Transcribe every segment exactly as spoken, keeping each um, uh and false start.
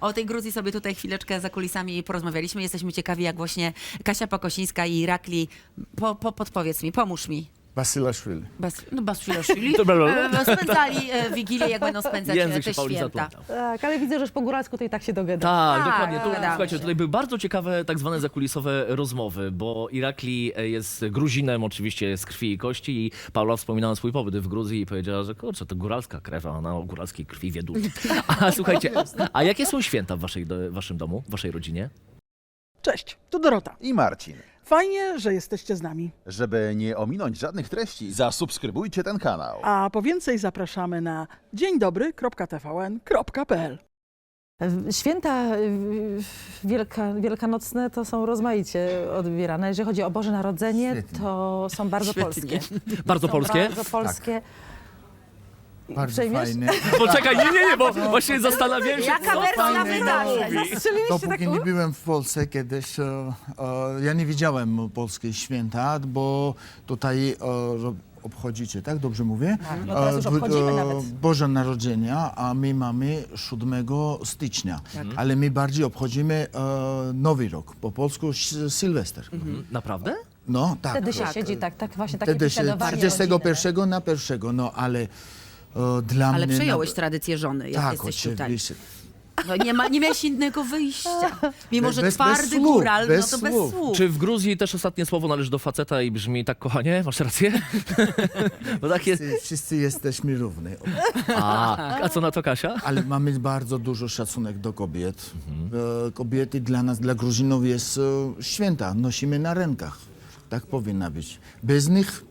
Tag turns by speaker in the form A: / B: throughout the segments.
A: O tej Gruzji sobie tutaj chwileczkę za kulisami porozmawialiśmy. Jesteśmy ciekawi, jak właśnie Kasia Pakosińska i Irakli, po, po, podpowiedz mi, pomóż mi.
B: Basilashvili.
A: Bas, no Basilashvili.
C: Dobra,
A: E, Spędzali e, Wigilię, jak będą spędzać
C: Język
A: e,
C: się
A: te
C: Pauli
A: święta.
C: zaplątał.
D: Tak, ale widzę, że po góralsku to i tak się dogada.
C: Tak,
A: Tak,
C: dokładnie. Tu,
A: dogadamy
C: słuchajcie,
A: się.
C: tutaj były bardzo ciekawe tak zwane zakulisowe rozmowy, bo Irakli jest Gruzinem, oczywiście z krwi i kości i Paula wspominała swój pobyt w Gruzji i powiedziała, że kurczę, to góralska krew, a ona o góralskiej krwi wie dużo. A słuchajcie, a jakie są święta w waszej, do, waszym domu, w waszej rodzinie?
E: Cześć, tu Dorota.
F: I Marcin.
E: Fajnie, że jesteście z nami.
F: Żeby nie ominąć żadnych treści, zasubskrybujcie ten kanał.
E: A po więcej zapraszamy na dzień dobry kropka t v n kropka p l.
D: Święta y, wielka, wielkanocne to są rozmaicie odbierane. Jeżeli chodzi o Boże Narodzenie,
B: Świetnie.
D: to są bardzo
A: Świetnie.
D: polskie.
C: Bardzo
D: Są
C: polskie?
D: Bardzo polskie.
B: Bardzo
D: Przejmiesz?
B: fajne.
C: Poczekaj, nie, nie, nie, bo właśnie zastanawiałem się,
A: Jaka
C: co
A: wersja
C: pan
A: wydarzeń?
C: mówi.
D: Zastrzeliście tak?
B: Dopóki nie byłem w Polsce kiedyś, e, e, ja nie widziałem polskich święta, bo tutaj e, ro- obchodzicie, tak? Dobrze mówię?
D: Tak, no teraz już
B: E, w-
D: obchodzimy
B: e,
D: nawet.
B: Boże Narodzenia, a my mamy siódmego stycznia.
D: Tak.
B: Ale my bardziej obchodzimy e, Nowy Rok, po polsku s- Sylwester.
C: Naprawdę?
B: No, tak.
D: Wtedy się
B: tak.
D: siedzi, tak, tak właśnie takie
B: Wtedy się
D: biesiadowanie
B: trzydziestego
D: rodzinne.
B: pierwszego na pierwszego, no ale e, dla
A: Ale
B: mnie...
A: przejąłeś
B: na-
A: tradycję żony, jak
B: Tak,
A: jesteś tutaj.
B: oczywiście.
A: No, nie, ma, nie miałeś innego wyjścia. Mimo, że
B: Bez- bez
A: twardy
B: słów,
A: góral,
B: bez
A: no to bez
B: słów.
A: słów.
C: Czy w Gruzji też ostatnie słowo należy do faceta i brzmi tak, kochanie? Masz rację? Bo tak jest.
B: Wszyscy, wszyscy jesteśmy równi.
C: A, a co na to Kasia?
B: Ale mamy bardzo dużo szacunek do kobiet. E, Kobiety dla nas, dla Gruzinów jest e, święta. Nosimy na rękach. Tak powinna być. Bez nich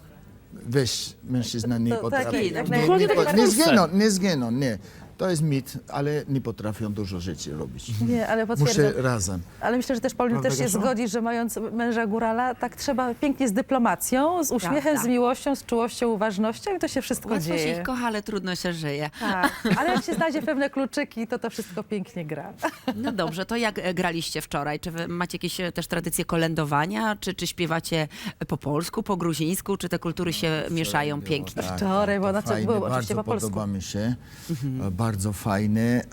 B: weź mężczyzna nie
D: To- tak,
B: potrafi.
D: jak
B: nie,
D: najbardziej.
B: nie,
D: Tak jak
B: nie,
C: w
B: nie
C: Polsce.
B: zginą, nie zginą, nie. To jest mit, ale nie potrafią dużo rzeczy robić.
D: Nie, ale potwierdzam.
B: Muszę razem.
D: Ale myślę, że też Paulin
B: Prawda,
D: też się
B: Kasiu?
D: zgodzi, że mając męża górala, tak trzeba pięknie z dyplomacją, z uśmiechem,
A: Prawda.
D: z miłością, z czułością, uważnością i to się wszystko
A: Łatwo się
D: dzieje.
A: ich kocha, ale trudno się żyje.
D: Tak, ale jak się znajdzie pewne kluczyki, to to wszystko pięknie gra.
A: No dobrze, to jak e, graliście wczoraj? Czy wy macie jakieś e, też tradycje kolędowania? Czy, czy śpiewacie po polsku, po gruzińsku? Czy te kultury się mieszają
B: Było,
A: pięknie?
B: tak,
D: Wczoraj, bo
B: to
D: na co
B: fajne,
D: było oczywiście
B: bardzo
D: po polsku.
B: podoba mi się, e, bardzo fajne. E,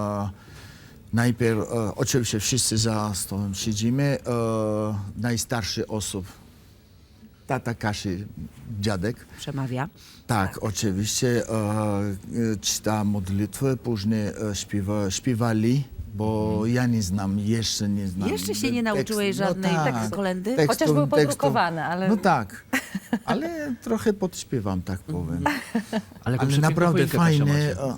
B: najpierw, e, oczywiście wszyscy za stołem siedzimy, e, najstarszy osób, tata Kasi, dziadek,
A: Przemawia.
B: tak, oczywiście, e, e, czyta modlitwę, później e, śpiewa, śpiewali, bo ja nie znam, jeszcze nie znam.
A: Jeszcze się nie nauczyłeś
B: tekstu.
A: żadnej
B: tak,
A: kolendy?
B: tekstu-
D: Chociaż były
B: tekstu.
D: podrukowane, ale...
B: No tak, ale trochę podśpiewam, tak powiem.
C: Ale,
B: Ale naprawdę fajne. e,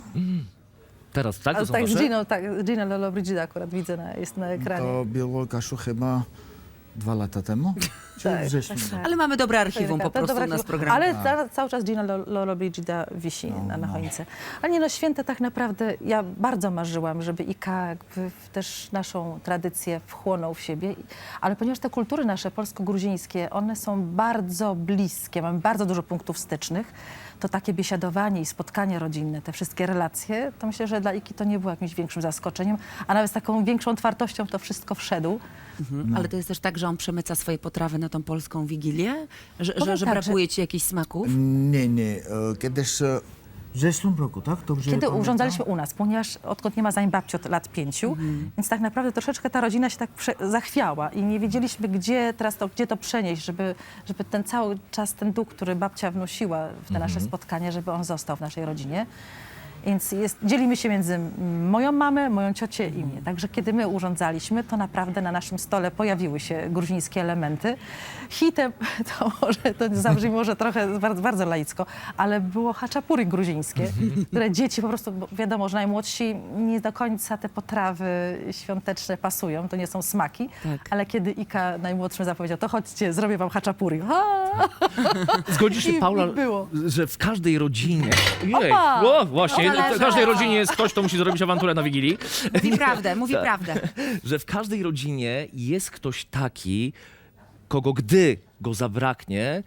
C: Teraz, tak? To
D: Ale
C: są
D: tak z
C: wasze?
D: Giną, tak, Gina Lollobrigida akurat widzę, na, jest na ekranie.
B: To było, Kasiu, chyba dwa lata temu? Czy
D: Tak,
B: wrześniu?
D: tak, tak.
A: Ale mamy dobre archiwum po
D: To
A: prostu
D: dobra
A: u nas w
D: archiwum.
A: programie.
D: Ale ca- cały czas Gina Lo- Lollobrigida wisi na, na choince. Ale nie no, święta tak naprawdę, ja bardzo marzyłam, żeby I K jakby w- też naszą tradycję wchłonął w siebie. I- Ale ponieważ te kultury nasze polsko-gruzińskie, one są bardzo bliskie, mamy bardzo dużo punktów stycznych, to takie biesiadowanie i spotkania rodzinne, te wszystkie relacje, to myślę, że dla Iki to nie było jakimś większym zaskoczeniem, a nawet z taką większą otwartością to wszystko wszedł.
A: Mhm. Ale to jest też tak, że on przemyca swoje potrawy na tą polską Wigilię? Że, że,
D: Powiem
A: że
D: tak,
A: brakuje ci jakichś smaków?
B: Nie, nie. e, Kiedyś e, w zeszłym roku, tak? Dobrze
D: Kiedy
B: pamiętam?
D: urządzaliśmy u nas, ponieważ odkąd nie ma zań babci od lat pięciu, więc tak naprawdę troszeczkę ta rodzina się tak prze- zachwiała i nie wiedzieliśmy, gdzie teraz to, gdzie to przenieść, żeby, żeby ten cały czas, ten duch, który babcia wnosiła w te nasze spotkania, żeby on został w naszej rodzinie. Więc jest, dzielimy się między mm, moją mamę, moją ciocię i mnie. Także kiedy my urządzaliśmy, to naprawdę na naszym stole pojawiły się gruzińskie elementy. Hitem, to może to zabrzmi może trochę bardzo, bardzo laicko, ale było haczapuri gruzińskie, które dzieci po prostu, bo wiadomo, że najmłodsi nie do końca te potrawy świąteczne pasują, to nie są smaki,
A: Tak.
D: ale kiedy Ika najmłodszym zapowiedział, to chodźcie, zrobię wam haczapuri. Ha!
C: Zgodzisz się,
D: I-
C: Paula,
D: i było.
C: że w każdej rodzinie... Jej,
D: Opa!
C: o, właśnie,
A: Opa!
C: w każdej rodzinie jest ktoś, kto musi zrobić awanturę na Wigilii.
A: Mówi prawdę, mówi prawdę.
C: Że w każdej rodzinie jest ktoś taki, kogo gdy go zabraknie,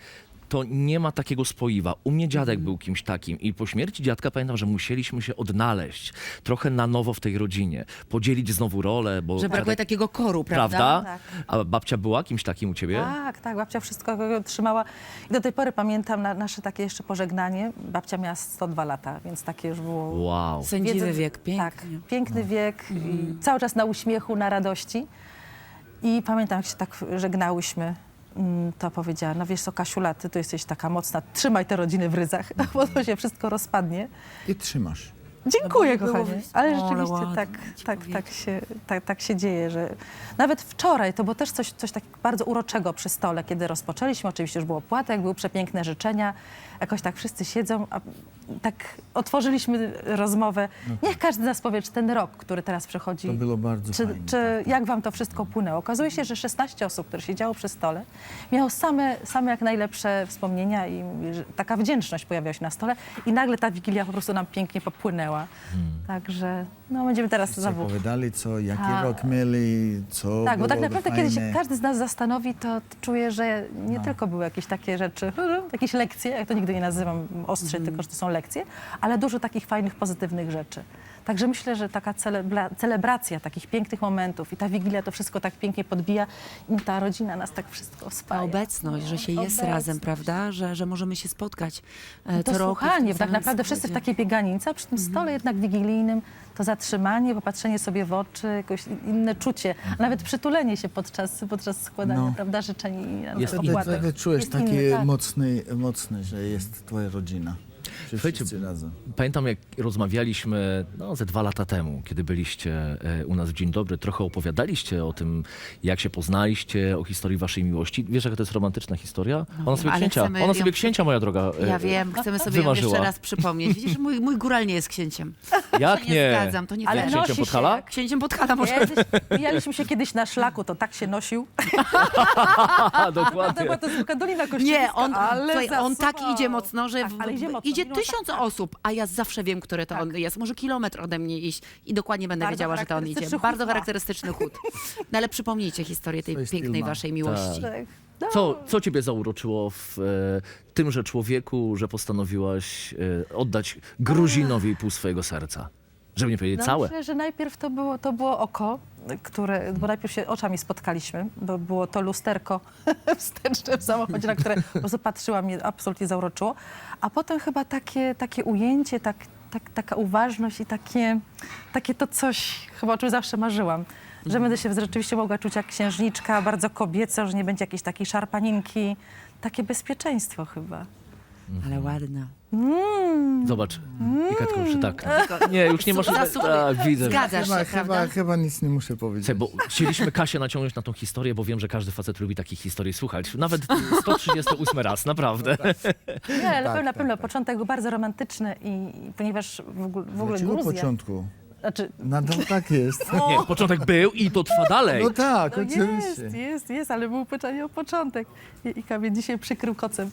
C: to nie ma takiego spoiwa. U mnie dziadek był kimś takim i po śmierci dziadka pamiętam, że musieliśmy się odnaleźć trochę na nowo w tej rodzinie, podzielić znowu rolę, bo
A: Że brakuje
C: dziadek-
A: takiego koru, prawda?
C: prawda?
D: Tak.
C: A babcia była kimś takim u ciebie?
D: Tak, tak, babcia wszystko trzymała. I do tej pory pamiętam na, nasze takie jeszcze pożegnanie. Babcia miała sto dwa lata, więc takie już było...
C: Wow.
A: Sędziwy
D: Wiedzy-
A: wiek, pięknie.
D: Tak, piękny wiek, i cały czas na uśmiechu, na radości. I pamiętam, jak się tak żegnałyśmy, mm, to powiedziała, no wiesz co, Kasiula, ty to jesteś taka mocna, trzymaj te rodziny w ryzach, bo to się wszystko rozpadnie.
B: I trzymasz.
D: Dziękuję,
A: No bo nie było
D: kochanie.
A: wys-
D: Ale
A: Ale
D: rzeczywiście
A: ładnie,
D: tak,
A: ci
D: tak,
A: powiedzieć.
D: tak, się, tak, tak się dzieje, że nawet wczoraj to było też coś, coś takiego bardzo uroczego przy stole, kiedy rozpoczęliśmy. Oczywiście już było płatek, były przepiękne życzenia. Jakoś tak wszyscy siedzą, a tak otworzyliśmy rozmowę. Niech każdy z nas powie, czy ten rok, który teraz przychodzi,
B: To było bardzo
D: czy,
B: fajne.
D: czy jak wam to wszystko płynęło? Okazuje się, że szesnaście osób, które siedziało przy stole, miało same, same jak najlepsze wspomnienia i że taka wdzięczność pojawiała się na stole i nagle ta Wigilia po prostu nam pięknie popłynęła. Także no będziemy teraz
B: Co
D: znowu...
B: opowiadali, co, jaki
D: Tak.
B: rok mieli, co
D: Tak, bo tak
B: było
D: naprawdę
B: fajne.
D: kiedy się każdy z nas zastanowi, to czuję, że nie tylko były jakieś takie rzeczy, jakieś lekcje, jak to nigdy nie nazywam ostrzej, tylko że to są lekcje, ale dużo takich fajnych, pozytywnych rzeczy. Także myślę, że taka celebra- celebracja takich pięknych momentów i ta Wigilia to wszystko tak pięknie podbija i ta rodzina nas tak wszystko
A: Ta
D: spaja.
A: obecność, że się jest
D: Obecność.
A: razem, prawda? Że, że możemy się spotkać e,
D: To
A: co roku. w tym
D: słuchanie, tak
A: samym
D: naprawdę wszyscy w
A: składzie.
D: takiej bieganicy, a przy tym stole jednak wigilijnym to zatrzymanie, popatrzenie sobie w oczy, jakoś inne czucie, a nawet przytulenie się podczas, podczas składania,
B: No.
D: prawda, życzeń i
C: Jest
D: i
C: inny.
D: opłatek.
B: Wtedy czujesz
D: Jest
B: takie
D: inny, tak.
B: mocny, mocny, że jest twoja rodzina. Że
C: Słuchajcie,
B: wszyscy razem.
C: Pamiętam, jak rozmawialiśmy no, ze dwa lata temu, kiedy byliście e, u nas w Dzień Dobry, trochę opowiadaliście o tym, jak się poznaliście, o historii waszej miłości. Wiesz, jaka to jest romantyczna historia? Ona sobie
A: ale
C: księcia,
A: chcemy
C: ona
A: ją-
C: sobie księcia, moja droga. e,
A: Ja wiem, chcemy sobie ją
C: wymarzyła.
A: jeszcze raz przypomnieć. Widzisz, mój, mój góral nie jest księciem.
C: Jak
A: Nie
C: nie?
A: zgadzam, to nie
D: Ale
A: fair.
C: Księciem
D: nosi
C: Podhala?
D: się.
A: Księciem Podhala może.
D: Kiedyś, mijaliśmy się kiedyś na szlaku, to tak się nosił.
C: A,
D: To
C: dokładnie.
D: była to zwykła Dolina Kościelska,
A: Nie, on,
D: ale
A: słuchaj, on tak
D: zasuwał.
A: idzie mocno, że
D: Tak,
A: w,
D: ale idzie mocno,
A: idzie
D: mimo
A: tysiąc
D: tak,
A: osób, a ja zawsze wiem, który to on jest. Może kilometr ode mnie iść i dokładnie będę
D: Bardzo
A: wiedziała, że to on idzie.
D: charakterystyczny
A: Bardzo
D: chód ma.
A: charakterystyczny chód. No ale przypomnijcie historię tej
B: Swój styl
A: pięknej
B: ma.
A: waszej miłości.
D: Tak. No.
C: Co, co ciebie zauroczyło w e, tymże człowieku, że postanowiłaś e, oddać Gruzinowi pół swojego serca? Żeby nie powiedzieć
D: No,
C: całe.
D: myślę, że najpierw to było, to było oko, które, bo najpierw się oczami spotkaliśmy, bo było to lusterko wsteczne w samochodzie, na które po prostu patrzyłam, mnie absolutnie zauroczyło. A potem chyba takie, takie ujęcie, tak, tak, taka uważność i takie, takie to coś, chyba o czym zawsze marzyłam. Że będę się rzeczywiście mogła czuć jak księżniczka, bardzo kobieco, że nie będzie jakiejś takiej szarpaninki. Takie bezpieczeństwo chyba.
A: Ale ładna.
C: Zobacz, i Katko, że tak. Nie, już nie można...
A: Zasługi.
C: Tak, widzę.
A: Zgadzasz
B: Chyba,
A: się,
B: chyba,
A: prawda?
B: chyba nic nie muszę powiedzieć.
C: Słuchaj, bo chcieliśmy Kasię naciągnąć na tą historię, bo wiem, że każdy facet lubi takich historii słuchać. Nawet sto trzydziesty ósmy raz, naprawdę.
D: Nie, ale na
B: Tak,
D: pewno, na
B: tak,
D: pewno
B: tak.
D: początek był bardzo romantyczny i, i ponieważ w ogóle, w ogóle
B: Dlaczego
D: Gruzja...
B: początku?
D: Znaczy,
B: Nadal tak jest.
C: Nie, początek był i to trwa dalej.
B: No tak,
D: no
B: oczywiście.
D: jest, jest, jest, ale był pytanie o początek. I, i Kamil dzisiaj przykrył kocem.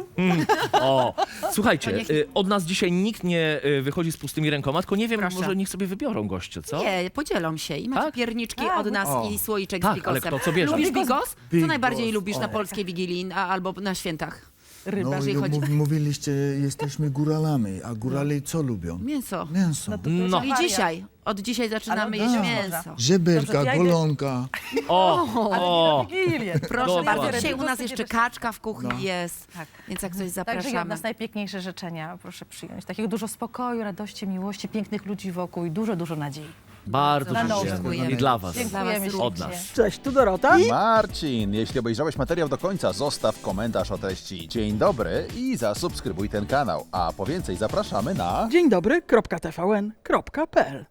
C: O, słuchajcie,
A: To niech-
C: y, od nas dzisiaj nikt nie y, wychodzi z pustymi rękoma, tylko nie wiem,
A: Proszę.
C: może niech sobie wybiorą goście, co?
A: Nie, podzielą się i macie
C: Tak?
A: pierniczki
D: Tak,
A: od nas
B: o.
A: i słoiczek
C: Tak,
A: z bigosem.
C: ale kto co bierze?
A: Lubisz
D: Bigos-
A: bigos? Co
B: Bigos,
A: najbardziej lubisz
B: o.
A: na polskiej Wigilii a, albo na świętach?
D: Ryba.
B: No,
A: jeżeli
B: i
A: chodzi-
B: mów- mówiliście, jesteśmy góralami, a górale co lubią?
A: Mięso.
B: Mięso.
D: No to
C: No.
A: I dzisiaj, od dzisiaj zaczynamy
D: Ale
A: jeść
B: tak.
A: mięso.
B: Żeberka,
D: Dobrze, to ja idę-
B: golonka.
C: O, o,
D: Wigilię.
A: Proszę
C: Dobra.
A: bardzo, dzisiaj u nas
D: Bigosy
A: jeszcze
D: nie
A: kaczka w kuchni
B: No.
A: jest,
D: Tak.
A: więc jak coś
D: Także ja od
A: zapraszamy.
D: nas najpiękniejsze życzenia proszę przyjąć. Takiego dużo spokoju, radości, miłości, pięknych ludzi wokół i dużo, dużo nadziei.
C: bardzo
D: Na nowo.
C: dziękujemy. I dla was.
D: Dziękujemy
A: was
C: Od
D: ślicznie.
C: nas.
E: Cześć, tu Dorota.
F: Marcin, jeśli obejrzałeś materiał do końca, zostaw komentarz o treści Dzień dobry i zasubskrybuj ten kanał. A po więcej zapraszamy na...
E: Dzień dobry, kropka T V N, kropka P L.